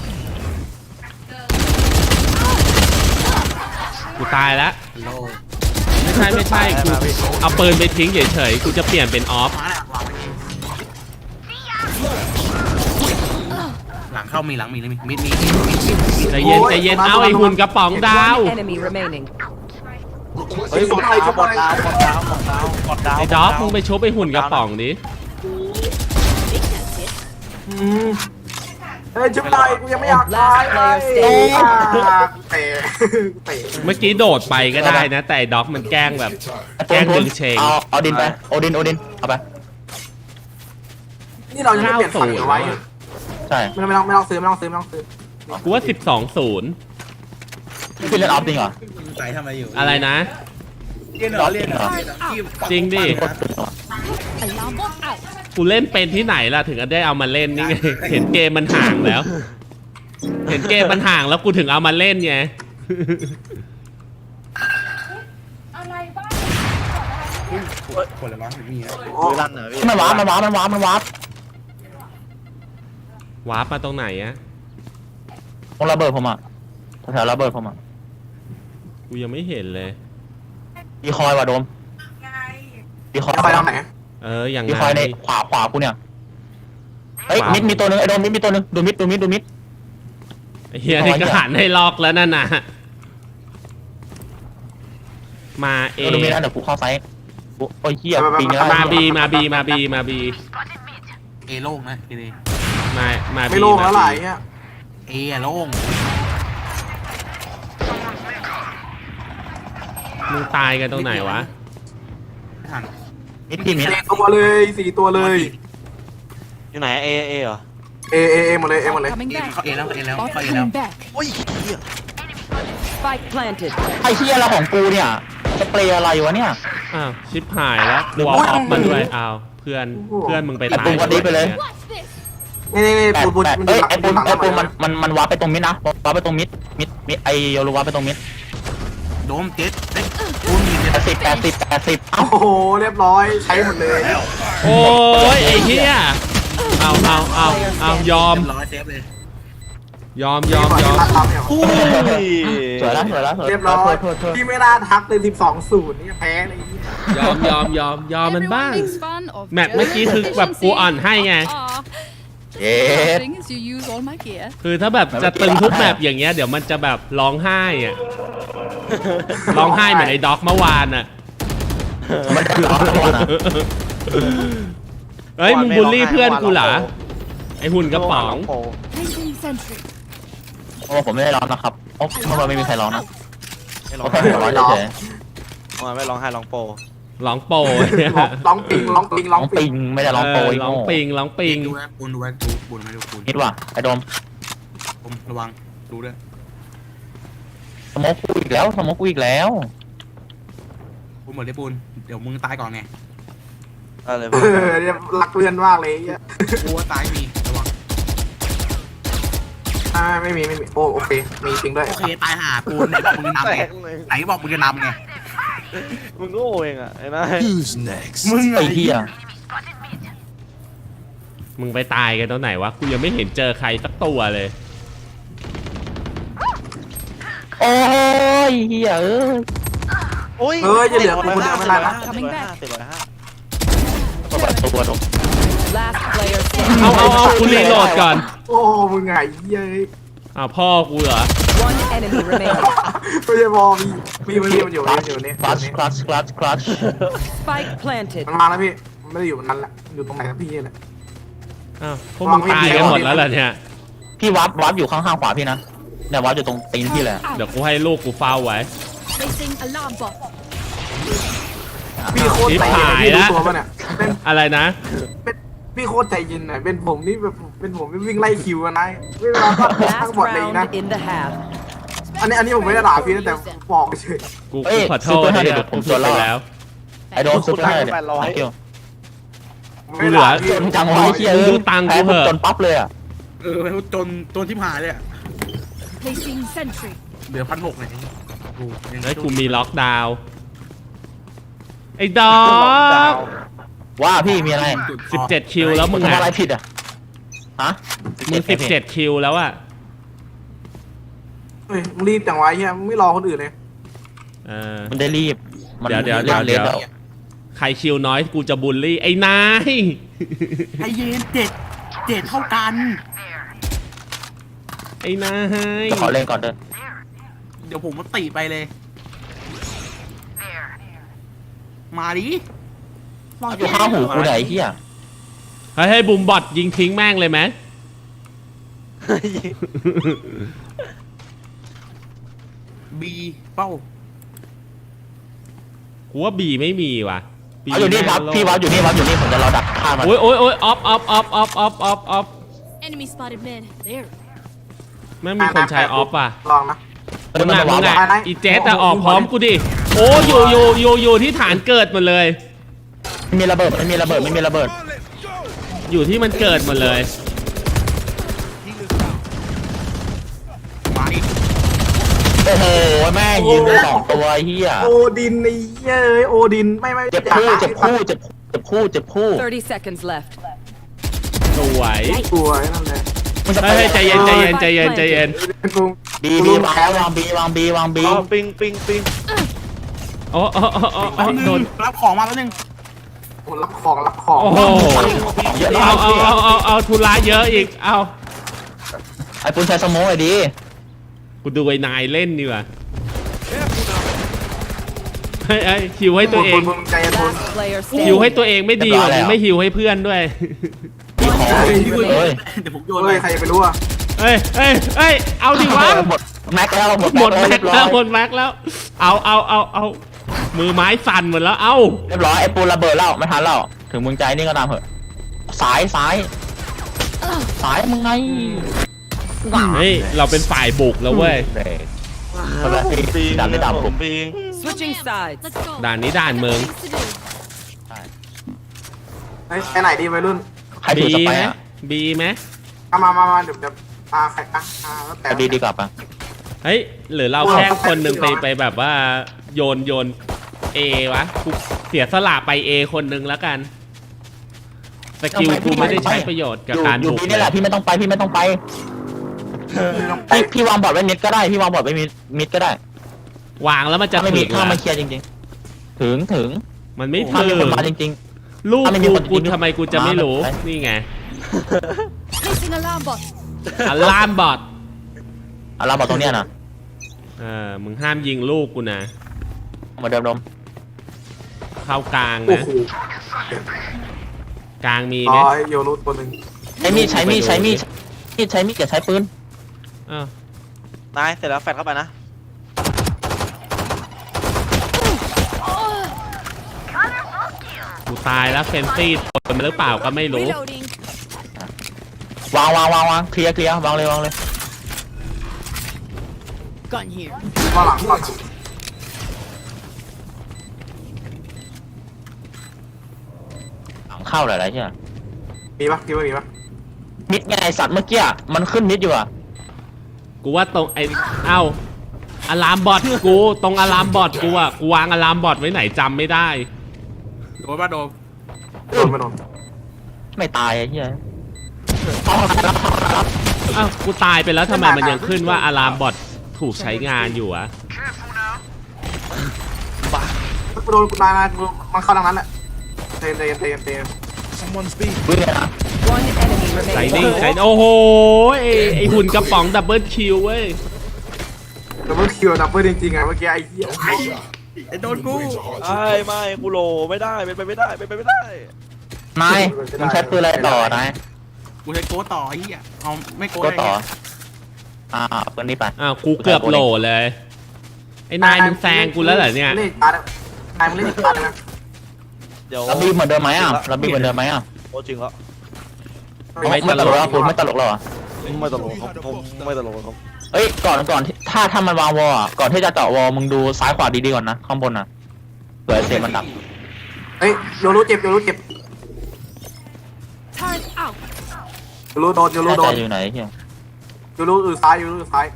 [SPEAKER 4] กูตายแล้ว
[SPEAKER 6] โล
[SPEAKER 4] ไม่ใช่กูเอาปืนไปทิ้งเฉยๆกูจะเปลี่ยนเป็นออฟ
[SPEAKER 6] มาแล้ววางไปเข้ามีหลังมีเลยมี
[SPEAKER 4] ใจเย็นใจเย็นเอาไอ้หุ่นกระป๋องดาว
[SPEAKER 7] One enemy remaining.
[SPEAKER 5] เฮ้ยกดดาวกดดาวกดดาวกดดาวกดดาว
[SPEAKER 4] ไอ้ด็อกมึงไปชุบไอ้หุ่นกระป๋องดิ
[SPEAKER 2] เฮ้ยจุ๊บหน่อยกูยังไม่อยากตายเลย เตะ
[SPEAKER 4] เมื่อกี้โดดไปก็ได้นะ แต่ไอ้ด็อกมันแกล้งแบบแกล้งดึงเชง
[SPEAKER 3] เอาดินไปโอดินเอาไป
[SPEAKER 2] นี่เรายังไม่เปลี่ยนฝั่งเอาไว้
[SPEAKER 3] ใช่
[SPEAKER 2] ไม่ต้องซื้อ
[SPEAKER 4] กูว่า 12-0
[SPEAKER 3] พี่เล่นออฟจริงเหรอ
[SPEAKER 6] ใส่ทำอะไรอยู่
[SPEAKER 4] อะไรนะ
[SPEAKER 6] เรียนเหรอเรียนเหรอ
[SPEAKER 4] จริงดิ
[SPEAKER 1] Alarm bot out.
[SPEAKER 4] กูเล่นเป็นที่ไหนล่ะถึงได้เอามาเล่นนี่ไง เห็นเกมมันห่างแล้ว เห็นเกมมันห่างแล้วกูถึงเอามาเล่นไง
[SPEAKER 6] คนละร้อนไม่มี
[SPEAKER 5] มือลั่นเหรอพี่
[SPEAKER 3] มันวาร์ป
[SPEAKER 4] วาร์ปมาตรงไหนอะ
[SPEAKER 3] ตรงระเบิดผมอ่ะแถวระเบิดผมอ่ะ
[SPEAKER 4] กูยังไม่เห็นเลย
[SPEAKER 3] ดีคอยว่ะโดมดีคอย
[SPEAKER 2] ไปทางไหน
[SPEAKER 4] อย่าง
[SPEAKER 3] ดี
[SPEAKER 4] ไง
[SPEAKER 3] คอยในขวากูเนี่ยเฮ้ยมิดมีตัวนึงไอ้โดมมิดมีตัวนึงดูมิด
[SPEAKER 4] ไอ้เฮียนี่ก็หันให้ล็อกแล้วนั่นน่ะมาเอ
[SPEAKER 3] ดูมิดนะเดี๋ยวกูเข้าไซส์โอ้ยเหี้ยปีนี้
[SPEAKER 4] มาบี
[SPEAKER 6] เอโล่งนะเอ
[SPEAKER 4] มา
[SPEAKER 2] ไม่โล่งแล้วไหลเงี้ย
[SPEAKER 6] เอโล่ง
[SPEAKER 4] มึงตายกันตรงไหนวะ
[SPEAKER 6] ทัน
[SPEAKER 3] มิดพี่มิด
[SPEAKER 2] 4 ตัวเลย 4 ตัวเลย
[SPEAKER 5] อยู่ไหนเอเหรอ
[SPEAKER 2] เอหมดเลย
[SPEAKER 1] Coming
[SPEAKER 6] เอ
[SPEAKER 1] back.
[SPEAKER 6] เข้าเอแล้วเอแล้ว
[SPEAKER 1] Bot
[SPEAKER 6] เข้าเอแล้ว
[SPEAKER 1] coming back.
[SPEAKER 5] โอ้ย
[SPEAKER 7] Spike planted.
[SPEAKER 3] ไอ้เหี้ยอะไรของกูเนี่ยสเปรย์อะไรวะเนี่ย
[SPEAKER 4] อ้าวชิปหายแล้วกูเอาออกมาด้วยอ้าวเพื่อนมึงไปตาย
[SPEAKER 3] ไอ้ปูก็ดีไปเลย
[SPEAKER 1] Watch this.
[SPEAKER 2] นี่ปูน
[SPEAKER 3] เอ้ยไอ้ปูมันวาร์ปไปตรงมิดนะวาร์ปไปตรงมิดไอ้โยรูวาร์ปไปตรงมิด
[SPEAKER 6] โดมเจ็ดเอ้ยคุณมีเจ็ด
[SPEAKER 3] 80
[SPEAKER 2] โอ้โห เรียบร้อย ใช้หมดเลย
[SPEAKER 4] โอ้ยไอ้เฮียเอายอม
[SPEAKER 6] ร้อยเซฟเลย
[SPEAKER 4] ยอม
[SPEAKER 5] อุ้ย
[SPEAKER 3] สวยแล้ว
[SPEAKER 2] เรียบร้อยที่ไม่น่าทักเลย 12-0 นี่แพ้เลย
[SPEAKER 4] ยอมมันบ้าง
[SPEAKER 1] Everyone makes fun of
[SPEAKER 4] แมปเมื่อกี้คือแบบกูอ่อนให้ไง
[SPEAKER 1] Ah,
[SPEAKER 3] เย็ด
[SPEAKER 1] thing is you use all my gear.
[SPEAKER 4] คือถ้าแบบจะตึงทุกแมปอย่างเงี้ยเดี๋ยวมันจะแบบร้องไห้อะร้องไห้เหมือนไอ้ด็อกเมื่อวานอะ
[SPEAKER 3] มันจะร้อนตัวนะ
[SPEAKER 4] เฮ้ยมึงบูลลี่เพื่อนกูเหรอไอ้หุ่นกระป๋อง
[SPEAKER 1] Placing sentry.
[SPEAKER 3] โอ้ผมไม่ได้ร้อนนะครับโอ้เมื่อวานไม่มีใครร้อนนะ
[SPEAKER 5] ไม่ร้
[SPEAKER 3] โอ้
[SPEAKER 5] อง
[SPEAKER 3] แค่
[SPEAKER 5] ไห้
[SPEAKER 3] หัวร้อนเฉย
[SPEAKER 5] ไม่ร้องไห้ร้องโป
[SPEAKER 4] ร้องโปร
[SPEAKER 2] ร้องปิง
[SPEAKER 3] ร้องปิงไม่ได้ร้องโปร
[SPEAKER 4] ร้องปิงร้องปิง
[SPEAKER 6] ดูนะปูนดูไว้ดูปูนไม่ดูปูน
[SPEAKER 3] นิดว่ะไอ้โดม
[SPEAKER 6] ผมระวังดูด้วย
[SPEAKER 3] สโมกกูอีกแล้ว
[SPEAKER 6] ปูนหมดเลยปูนเดี๋ยวมึงตายก่อนไง
[SPEAKER 5] อะไร
[SPEAKER 2] เนี่ยรักเพื่อนมากเลย
[SPEAKER 6] กูว่าตายมีระวัง
[SPEAKER 2] ไม่มีโอเค มีจริงด้วย
[SPEAKER 6] โอเคตายห่าปูนไหนบอกมึงจะนำ
[SPEAKER 5] แต
[SPEAKER 6] ไง
[SPEAKER 5] กเลย
[SPEAKER 6] ไหนบอกมึงจะนำไง
[SPEAKER 5] มึงโง่เองอ่ะไอ้นาย
[SPEAKER 6] มึง
[SPEAKER 3] ไอ้เหี้ย
[SPEAKER 4] มึงไปตายกันตรงไหนวะกูยังไม่เห็นเจอใครสักตัวเลย
[SPEAKER 3] โอ้ยเหี้ยเอ้ย
[SPEAKER 5] โอ้ย
[SPEAKER 2] จะเหลือปูนเดียวไม่ได้นะ
[SPEAKER 1] Coming back
[SPEAKER 3] ตัวตัว
[SPEAKER 7] Last player
[SPEAKER 4] เอากูรีโหลดก่อน
[SPEAKER 2] โอ้มึงไงเย้ย
[SPEAKER 4] พ่อกูเหรอ
[SPEAKER 7] One enemy remaining.
[SPEAKER 2] ไม่ใช่บอมีมันอยู่นี่
[SPEAKER 3] คลัช
[SPEAKER 7] Spike planted.
[SPEAKER 2] มันมาแล้วพี่มันไม่ได้อยู่นั้นแหละอยู่ตรงไหนครับพี่เนี่ย
[SPEAKER 4] อ้าวพวกมึงตายกันหมดแล้วเหรอเนี่ย
[SPEAKER 3] พี่วับอยู่ข้างๆขวาพี่นะเนี่ยวับอยู่ตรงตีนพี่เลย
[SPEAKER 4] เดี๋ยวกูให้ลูกกูเฝ้าไว้
[SPEAKER 1] Placing alarm bot.
[SPEAKER 2] พี่โคตรใจเย็นพี่รู้ตัวป่ะเนี่ยเป็น
[SPEAKER 4] อะไรนะ
[SPEAKER 2] พี่โคตรใจเย็นหน่อยเป็นผมนี่แบบเป็นผมวิ่งไล่คิวกันนะเวลาก็ทั้ง
[SPEAKER 7] Last
[SPEAKER 2] หมดเลยนะ
[SPEAKER 7] round in the half.
[SPEAKER 2] อันนี้ผมไม่ได้ด่าพี่นะแต่บอกเฉย
[SPEAKER 4] กูขอโทษเนี่ยผมผิดไปแล้ว
[SPEAKER 3] ไอ้โดมซุปให้เนี่ยเกี่ยว
[SPEAKER 4] กูเหลือ
[SPEAKER 3] จนจังไว้เหี้ยจนปั๊บเลยอ่ะ
[SPEAKER 6] จนที่ผ่าเลยอ่ะ
[SPEAKER 1] Placing sentry.
[SPEAKER 6] เหลือ1,600เลยกู
[SPEAKER 4] เฮ้ยกูมีล็อกดาวน์ไอ้ดอก
[SPEAKER 3] ว่าพี่มีอะไร
[SPEAKER 4] 17 คิวแล้วมึง
[SPEAKER 3] ทำ
[SPEAKER 4] อ่ะ
[SPEAKER 3] อะไรผิดอ่ะฮะ
[SPEAKER 4] มึง17 คิวแล้วอ่ะ
[SPEAKER 2] เฮ้ยมึงรีบจังวะเฮียมึงไม่รอคนอื่นเลย
[SPEAKER 3] มันได้รีบ
[SPEAKER 4] เดี๋ยวใครคิวน้อยกูจะบูลลี่ไอ้นาย
[SPEAKER 6] ไอเย็นเจ็ดเท่ากัน
[SPEAKER 4] ไอ้นาย
[SPEAKER 3] ขอเล่นก่อนเด้อ
[SPEAKER 6] เดี๋ยวผมมาติไปเลย มาดิ
[SPEAKER 3] อยู่ข้างหูกูไหนเฮีย
[SPEAKER 4] ให้บุมบอทยิงทิ้งแม่งเลยไหม
[SPEAKER 6] บีเป้า
[SPEAKER 4] กูว่าบีไม่มีว่ะ B
[SPEAKER 3] เอาอยู่นี่วับพี่วับอยู่นี่วับอยู่นี่ผมจะรอดักฆ่ามัน
[SPEAKER 4] โอ้ยออฟ
[SPEAKER 1] Enemy spotted mid. There.
[SPEAKER 4] ไม่มีคนใช้ออฟอ่ะ
[SPEAKER 2] ลองนะ
[SPEAKER 4] มึงอ่ะ
[SPEAKER 3] มัน
[SPEAKER 4] มึง
[SPEAKER 3] วับ
[SPEAKER 4] อ่ะ
[SPEAKER 2] ไปไหน
[SPEAKER 4] อีเจสแต่ออกพร้อมกูดิ โอ้อยู่ที่ฐานเกิดหมดเลย
[SPEAKER 3] ไม่มีระเบิดไม่มีระเบิดไม่มีระเบิด
[SPEAKER 4] อยู่ที่มันเกิดหมดเลย
[SPEAKER 6] มาดิ
[SPEAKER 3] โอ้โหแม่งยิงไปสองตัวเฮีย
[SPEAKER 2] โอดินไอ้เหี้ยเอ้ยโอดินไม่
[SPEAKER 3] เจ็บคู่เจ็บคู่เจ็บคู่เจ็บคู่
[SPEAKER 7] 30 seconds left.
[SPEAKER 4] สวย
[SPEAKER 2] สวยนั่นแหละ
[SPEAKER 3] มันจะไป
[SPEAKER 4] เฮ้ยใจเย็น
[SPEAKER 2] เป็นกู
[SPEAKER 3] บีวางแล้ววางบี
[SPEAKER 5] อ๋อปิง
[SPEAKER 4] โอ้โดน
[SPEAKER 6] รับของมาแล้วนึง
[SPEAKER 2] รับของ
[SPEAKER 4] โอ้โห
[SPEAKER 3] เยอะ
[SPEAKER 4] เอาทุระเยอะอีก เอา
[SPEAKER 3] ไอ้ปุ้นใช้สโมอไอ้ดี
[SPEAKER 4] กูดูไอ้นายเล่นดีกว่าไอ้ฮิวให้ตัวเอง
[SPEAKER 2] มึงใจเย็น
[SPEAKER 7] Last player
[SPEAKER 4] ฮิวให้
[SPEAKER 7] standing.
[SPEAKER 4] ตัวเองไม่ดีกว่ามึงไม่ฮิวให้เพื่อนด้วย
[SPEAKER 3] มีของเฮ้ย
[SPEAKER 6] เดี๋ยวผมโยน
[SPEAKER 2] เฮ้ยใครจะไปรู้อ่ะ
[SPEAKER 4] เอ้ย เอาดิวะ
[SPEAKER 3] หมดแม็กแล้วหมด
[SPEAKER 4] หมดแม็ก
[SPEAKER 3] เรียบร้
[SPEAKER 4] แล้
[SPEAKER 3] อ
[SPEAKER 4] วย หมดแม็กแล้ว เอามือไม้สั่นหมดแล้ว เอา
[SPEAKER 3] เรียบร้อยไอ้ปูนระเบิดแล้วไม่ทันแล้วถึงมึงใจนี่ก็ตามเหอะสายมึงไง
[SPEAKER 4] เฮ้ย เราเป็นฝ่ายบุกแล้วเว้ย
[SPEAKER 3] คนละที่
[SPEAKER 5] ปิง
[SPEAKER 3] ดันไม่ดับผม
[SPEAKER 5] ปิง
[SPEAKER 7] Switching sides.
[SPEAKER 1] Let's go.
[SPEAKER 4] ด่านนี้ด่านเมือง
[SPEAKER 1] Things to do.
[SPEAKER 2] ไปไหนดีวัยรุ่น
[SPEAKER 3] ใครถือสไป
[SPEAKER 4] ไหม
[SPEAKER 3] อ่ะ
[SPEAKER 4] บีไหม
[SPEAKER 2] มาเดี๋ยวใครแล้วแต่
[SPEAKER 3] ดีกว่าปะ
[SPEAKER 4] เฮ้ยหรือเราแค่คนหนึ่งไปแบบว่าโยนเอวะกูเสียสละไปเอคนหนึ่งแล้วกันสกิลกูไม่ได้ใช้ประโยชน์กับการ
[SPEAKER 3] อยู่
[SPEAKER 4] บุก
[SPEAKER 3] พี่นี่แหละพี่ไม่ต้องไปพี่วางบอร์ดไว้มิดก็ได้พี่วางบอร์ดไว้มิดก็ได้
[SPEAKER 4] วางแล้วมันจะ
[SPEAKER 3] ถ้าไม่
[SPEAKER 4] ถึ
[SPEAKER 3] มี
[SPEAKER 4] ง
[SPEAKER 3] ถ้า
[SPEAKER 4] เหร
[SPEAKER 3] มัน
[SPEAKER 4] อ
[SPEAKER 3] เคลียร์จริงๆถึง
[SPEAKER 4] มันไม่
[SPEAKER 3] ถ้า
[SPEAKER 4] ถึ
[SPEAKER 3] มี
[SPEAKER 4] ง
[SPEAKER 3] คนมาจริง
[SPEAKER 4] ลูก
[SPEAKER 3] ถ้าไม่มีคน
[SPEAKER 4] กู
[SPEAKER 3] จริงๆ
[SPEAKER 4] ทำไมกูจะไม่รู้
[SPEAKER 3] มา
[SPEAKER 4] นี่ไง
[SPEAKER 1] Placing alarm bot.
[SPEAKER 4] อัลลามบอท
[SPEAKER 3] ๆเราบอกตรงเนี้ยนะ
[SPEAKER 4] มึงห้ามยิงลูกกูนะ
[SPEAKER 3] เหมือนเดิม
[SPEAKER 4] เข้ากลาง
[SPEAKER 2] โอ้
[SPEAKER 4] นะ
[SPEAKER 2] โห
[SPEAKER 4] กลางมีไหม
[SPEAKER 2] โยรุตัวหนึ่ง
[SPEAKER 3] ใช้มีดอย่าใช้ปืน
[SPEAKER 4] อ้าวน
[SPEAKER 5] ายเสร็จแล้วแฟดเข้าไปนะ
[SPEAKER 4] กูตายแล้วเฟนซี่โดนมาหรือเปล่าก็ไม่รู้
[SPEAKER 1] Reloading.
[SPEAKER 3] วางเคลียร์วางเลย
[SPEAKER 1] Gun here.
[SPEAKER 2] ว่าหลังก่อน
[SPEAKER 3] เข้าหลายๆใช่ไหม
[SPEAKER 2] มีปะคิดว่ามีปะ
[SPEAKER 3] มิดไงไอสัตว์เมื่อกี้มันขึ้นมิดอยู่อ่ะ
[SPEAKER 4] กูว่าตรงอะลามบอทกูตรงอะลามบอทกูอ่ะกูวางอะลามบอทไว้ไหนจำไม่ได้
[SPEAKER 6] โดนป่ะโดน
[SPEAKER 2] ไม่โดน
[SPEAKER 3] ไม่ตายไอ้เหี้ย
[SPEAKER 4] อ้าวกูตายไปแล้วทำไมมันยังขึ้นว่าอะลามบอทถูกใช้งานอยู่อะ
[SPEAKER 2] กูโดนกูตายนะมันเข้าทางนั้นแหละเตน
[SPEAKER 3] วิ่งเลยนะ
[SPEAKER 7] One enemy
[SPEAKER 4] ใส่
[SPEAKER 7] remaining.
[SPEAKER 4] นิ่งใส่โอ้โหไอหุ่นกระป๋องดับเบิลคิวเว้ย
[SPEAKER 2] ดับเบิลคิวดับเบิลจริงๆไงเมื่อกี้ไอ้เหี้ย
[SPEAKER 6] ไอ้โดนกู
[SPEAKER 5] ไม่กูโหลไม่ได้เป็นไปไม่ได้
[SPEAKER 3] นายมึงใช้ปืนอะไรต่อนาย
[SPEAKER 6] กูใช้โก้ต่อไอ้เหี้ยเอาไม่โก้
[SPEAKER 3] ก็
[SPEAKER 6] ได้
[SPEAKER 3] ต่อ
[SPEAKER 6] ไง
[SPEAKER 3] ปืนนี้ไป
[SPEAKER 4] อ้าวกูเกือบโหลเลยไอ้นายมึงแซงกูแล้วเหรอเนี่ย
[SPEAKER 2] เล่นตาร์นายมึงเล่นตาร์นะ
[SPEAKER 5] เดี๋ยว
[SPEAKER 3] เราบีเหมือนเดิมไหมอ่ะเราบีเหมือนเดิมไหมอ่ะ
[SPEAKER 5] โอ้จริงแล้ว
[SPEAKER 3] ไม่ตลกแล้วคุณไม่ตลกแล้วอ่ะ
[SPEAKER 5] ไม่ตลกครับผมไม่ตลกครับ
[SPEAKER 3] เอ้ยก่อนถ้ามันวางวอลอ่ะก่อนที่จะเจาะวอลมึงดูซ้ายขวาดีๆก่อนนะข้างบนอ่ะเผื่อเสียงมันดับ
[SPEAKER 2] เฮ้ยโยรุเจ็บ
[SPEAKER 1] Turret out.
[SPEAKER 2] โยรุโดน
[SPEAKER 3] แน่ใจอยู่ไหนเฮีย
[SPEAKER 2] โยรุซ้าย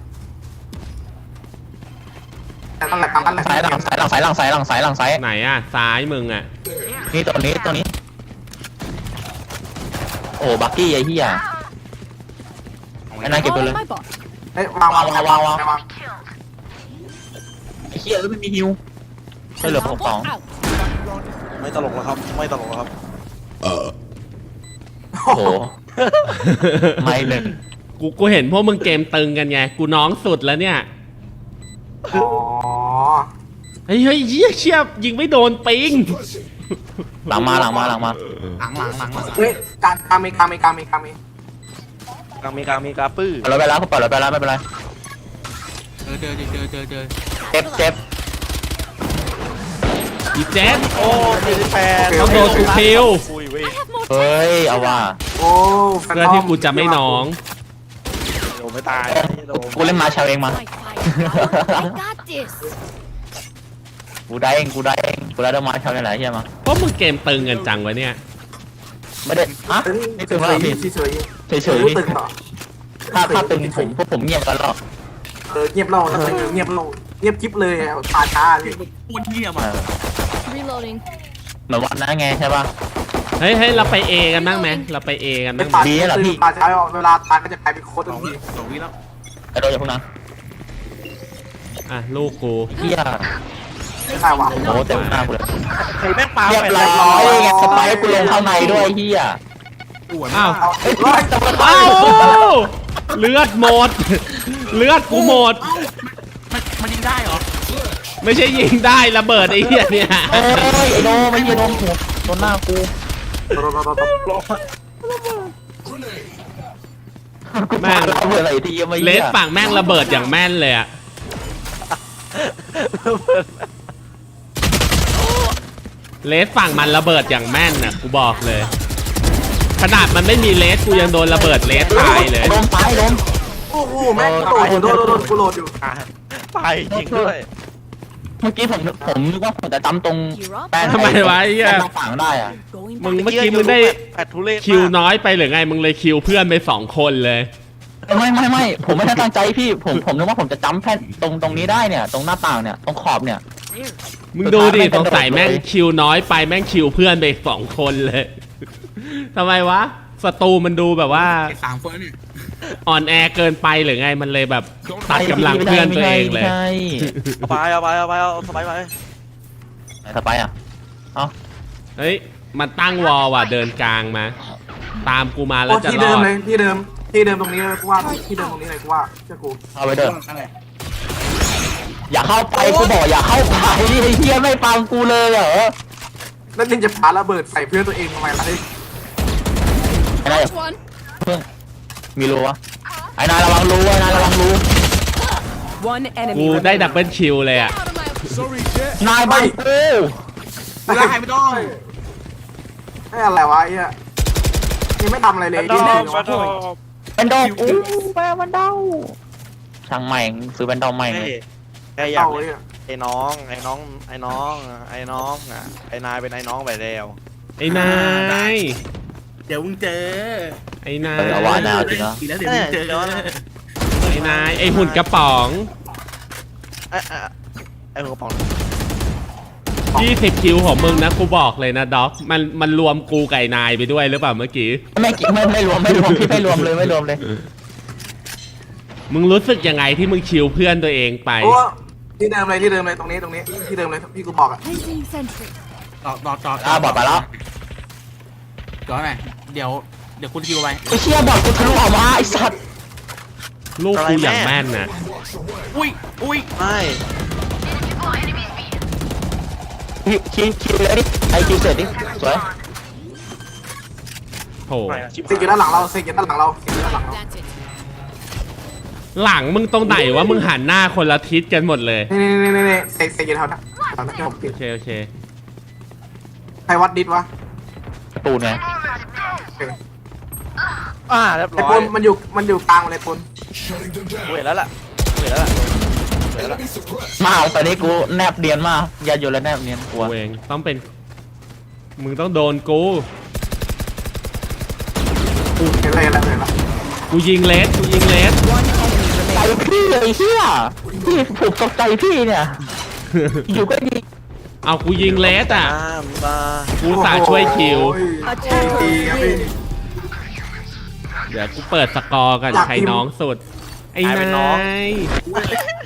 [SPEAKER 2] แต่ตั้งแต่ตั้งแต่
[SPEAKER 3] ซ้ายหลังซ้าย
[SPEAKER 4] ไหนอะซ้ายมึงอะ
[SPEAKER 3] นี่ตัวนี้โอ้บักกี้ไอ้เหี้ยไอ้นายเก็บไป
[SPEAKER 1] All
[SPEAKER 3] เลย
[SPEAKER 1] my bot.
[SPEAKER 2] เฮ้ยวาง
[SPEAKER 3] ไอ้เหี้ยไม่มีฮิวใช่เหลือผมสอง
[SPEAKER 1] Out.
[SPEAKER 5] ไม่ตลกแล้วครับไม่ตลกแล้วครับ
[SPEAKER 3] โอ้โหไม่หนึ่ง
[SPEAKER 4] กูเห็นพวกมึงเกมตึงกันไง กูน้องสุดแล้วเนี่ย
[SPEAKER 2] อ๋อ
[SPEAKER 4] เฮ้ยเหี้ยเชียบยิงไม่โดนปิง
[SPEAKER 3] หลังมา
[SPEAKER 6] หลัง
[SPEAKER 2] เฮ้ยกามี
[SPEAKER 5] กลางมีกลางมีกาปื้อ
[SPEAKER 3] ปล่อยรถไปแล้วเขาปล่อยรถไปแล้วไม่เป็นไร
[SPEAKER 6] เจอ
[SPEAKER 3] เจ็บ
[SPEAKER 4] อีเจ็ด
[SPEAKER 5] โอ้48
[SPEAKER 4] ต้องโดนกูคิว
[SPEAKER 5] อุ้ยเว้ย
[SPEAKER 3] เฮ้ยเอาว่า
[SPEAKER 2] โอ้
[SPEAKER 4] เพื่อที่กูจะไม่น้อง
[SPEAKER 5] โดนไม่ตายโดน
[SPEAKER 3] กูเล่นมาชาเองมา
[SPEAKER 1] My fire. I got this.
[SPEAKER 3] กูได้เองกูได้ดอกไม้ชาวไหนเฮียมา
[SPEAKER 4] พวกมึงเกมตึงกันจังวะเนี่ย
[SPEAKER 3] ไม่ได้ฮะไม่ตึงแล้วพี่
[SPEAKER 2] เฉย
[SPEAKER 3] เฉยๆพี่
[SPEAKER 2] ตึงเหรอ
[SPEAKER 3] ถ้าตึงพวกผมเงียบกันหรอก
[SPEAKER 2] เงียบเราเงียบเราเงียบกิ๊บเลยตาช้าเลย
[SPEAKER 6] อ้วนเหี้ย
[SPEAKER 3] เอ
[SPEAKER 6] มา
[SPEAKER 3] อ
[SPEAKER 1] Reloading.
[SPEAKER 3] เหมือนวันนั้นไงใช่ป่ะ
[SPEAKER 4] เฮ้ยเราไปเอกันบ้างไหมเราไปเอกัน
[SPEAKER 2] เป็
[SPEAKER 4] บ้าน งไหม
[SPEAKER 2] ตาตาช้าเวลาตาก็จะกลายเป็นโค้ดทันที
[SPEAKER 6] สองวิแล้ว
[SPEAKER 3] ไอ้โดนอย่าพวกนั้น
[SPEAKER 4] อ่ะลูกกู
[SPEAKER 3] เฮีย
[SPEAKER 2] ไม่ได้ว่ะ
[SPEAKER 3] โอ้เต็มหน้ากูเลย
[SPEAKER 5] ใครแม่งปา
[SPEAKER 3] เรียบ
[SPEAKER 5] ไป
[SPEAKER 3] ร้อยไงสไปร์กูลงข้างในด้วยเฮีย
[SPEAKER 6] อ้วน
[SPEAKER 4] อ้าว
[SPEAKER 2] เอาร้อย
[SPEAKER 4] อ้าวเลือดหมด เลือดกูหมด
[SPEAKER 6] มันยิงได้เหรอ
[SPEAKER 4] ไม่ใช่ยิงได้ระเบิดไอ้เหี้ยเนี่ย
[SPEAKER 3] โอ้ยไอ้โดไม่ยิงโดนหัวโดนหน้ากูแม่งเราเบื่ออะไรที่ยังไม่
[SPEAKER 4] เลสฝั่งแม่งระเบิดอย่างแม่นเลยอะเลสฝั่งมันระเบิดอย่างแม่นน่ะกูบอกเลย ขนาดมันไม่มีเลสกูยังโดนระเบิดเลสตายเลย
[SPEAKER 3] โดนตายโดน
[SPEAKER 2] โอ้โหแม่งโดนกูโหลดอยู่
[SPEAKER 5] ตายจริงด้วย
[SPEAKER 3] เมื่อกี้ผมนึกว่าผมจะจำตรงแป้น
[SPEAKER 4] ทำไมวะไอ้เหี้ย
[SPEAKER 3] ตรงฝั่งได้อะ
[SPEAKER 1] Going
[SPEAKER 4] มึง
[SPEAKER 1] back.
[SPEAKER 4] เมื่อกี้มึงได้
[SPEAKER 5] แปดทุเรศ
[SPEAKER 4] คิวน้อยไปหรือไงมึงเลยคิวเพื่อนไป2 คนเลย
[SPEAKER 3] ไม่ผมไม่ได้ตั้งใจพี่ผมนึกว่าผมจะจำแค่ตรงนี้ได้เนี่ย ตรงหน้าต่างเนี่ยตรงขอบเนี่ย
[SPEAKER 4] มึงดูดิสงสัยแม่งคิวน้อยไปแม่งคิวเพื่อนไป2 คนเลย ทำไมวะศัตรูมันดูแบบว่า
[SPEAKER 6] ไอ้สามเฟิร์สเนี่ย
[SPEAKER 4] อ่อนแอเกินไปหรือไงมันเลยแบบตัดกำลังเพื่อนตัวเองเลย
[SPEAKER 3] ไม่ใช่
[SPEAKER 5] เอาสบายไป
[SPEAKER 3] สไปอ่ะ
[SPEAKER 4] เฮ้ยมันตั้งวอลว่ะเดินกลางมา ตามกูมาแล้
[SPEAKER 2] โอ้
[SPEAKER 4] วจะ
[SPEAKER 2] ที่
[SPEAKER 4] ร
[SPEAKER 2] เดิ
[SPEAKER 4] อ
[SPEAKER 2] ม
[SPEAKER 4] ด
[SPEAKER 2] เลยที่เดิมตรงนี้เลยกูว่าที่เดิมตรงนี้เลยกูว่าเจ้ากู
[SPEAKER 3] เอาไปเถอะ
[SPEAKER 6] นั่นแหละ
[SPEAKER 3] อย่าเข้าไปกูบอกอย่าเข้าไปไอ้เฮียไม่ฟังกูเลยเหรอ
[SPEAKER 2] แล้วนึงจะปาระเบิดใส่เพื่อนตัวเองทำไมล่ะเฮ้ย
[SPEAKER 3] ไอ้นาย
[SPEAKER 1] First one.
[SPEAKER 3] เพิ่งมีรู้วะไอ้นายระวังรู้ไอ้นายระวังรู้
[SPEAKER 7] One enemy
[SPEAKER 4] กูได้
[SPEAKER 7] remaining.
[SPEAKER 4] ดับเบิลคิวเลยอ่ะ
[SPEAKER 1] Out of my
[SPEAKER 3] นายบังกู
[SPEAKER 6] ไม่ได้ไม่ต้อง
[SPEAKER 2] ไอ้อะไรวะไอ้เนี่ยยังไม่ทำอะไรเลยที่
[SPEAKER 3] เป็นดอกอู้แม่มันเดาช่างใหม่ซื้อเป็นดอกใหม่เลย
[SPEAKER 5] แกอยา
[SPEAKER 2] เต่าก เนี่ย
[SPEAKER 5] ไอ้น้องไอ้นายเป็นไอ้น้องไปแล้ว
[SPEAKER 4] ไอ้นาย
[SPEAKER 6] เดี๋ยวมึงเจอ
[SPEAKER 4] ไอ้นา
[SPEAKER 3] เออเอาว่าย นายเอาจริงนะ
[SPEAKER 6] อีกแล้วเดี๋ยวมึงเจอ
[SPEAKER 4] ไอ้นายไอ้หุ่นกระป๋อง
[SPEAKER 5] ไอ้หัวกระป๋อง
[SPEAKER 4] 20 คิวของมึงนะกูบอกเลยนะด็อกมันรวมกูไก่นายไปด้วยหรือเปล่าเมื่อกี้
[SPEAKER 3] ไม่รวมพี่ไม่รวมเลยไม่รวมเลย
[SPEAKER 4] มึงรู้สึกยังไงที่มึงคิวเพื่อนตัวเองไป
[SPEAKER 2] โอ้ที่เดิมเลยตรงนี้ที่เดิมเลยพี่กูบอกอ่ะ
[SPEAKER 1] placing sentry.
[SPEAKER 6] ต่อ
[SPEAKER 3] บอกไปแล้ว
[SPEAKER 6] จอดหน่อยเดี๋ยวคุณคิวไป
[SPEAKER 3] ไอ้เชี่ยบอกกูทะลุออกมาไอ้สัตว์
[SPEAKER 4] ลูกกูอย่างแม่นนะ
[SPEAKER 6] อุ้ย
[SPEAKER 5] ไม่
[SPEAKER 3] คิวเลยดิไอคิวเสร็จดิสวย
[SPEAKER 4] โห
[SPEAKER 2] เซ็กอยู่ด้านหลังเรา
[SPEAKER 1] That's it.
[SPEAKER 4] หลังมึงตรงไหนวะมึงหันหน้าคนละทิศกันหมดเลย
[SPEAKER 2] นี่เซ็กอยู่แถวนั้นผมปิด
[SPEAKER 4] โอเค
[SPEAKER 2] ใครวัดดิสวะ
[SPEAKER 3] ตูนไง
[SPEAKER 2] โอเค
[SPEAKER 5] เรียบ
[SPEAKER 2] ไอ้
[SPEAKER 5] ร้อ
[SPEAKER 2] ป
[SPEAKER 5] ย
[SPEAKER 2] นมันอยู่กลางเลยปน
[SPEAKER 5] เวทแล้วล่ะ
[SPEAKER 3] มาตอนนี้กูแนบเนียนมากอย่าอยู่แล้วแนบเนียนกลัว
[SPEAKER 4] กูเองต้องเป็นมึงต้องโดนกู
[SPEAKER 2] เห็นอะไร
[SPEAKER 4] กูยิงเลส
[SPEAKER 3] ใจพี่เลยเชี่ยพี่ผูกตกใจพี่เนี่ย อยู่ก็ยิง
[SPEAKER 4] เอากูยิงเลสอ่ะ
[SPEAKER 5] มา
[SPEAKER 4] กูสาช่วยคิว
[SPEAKER 2] ดีครับพี่
[SPEAKER 4] เดี๋ยวกูเปิดสกอร์กันใครน้องสุด ไอ้นาย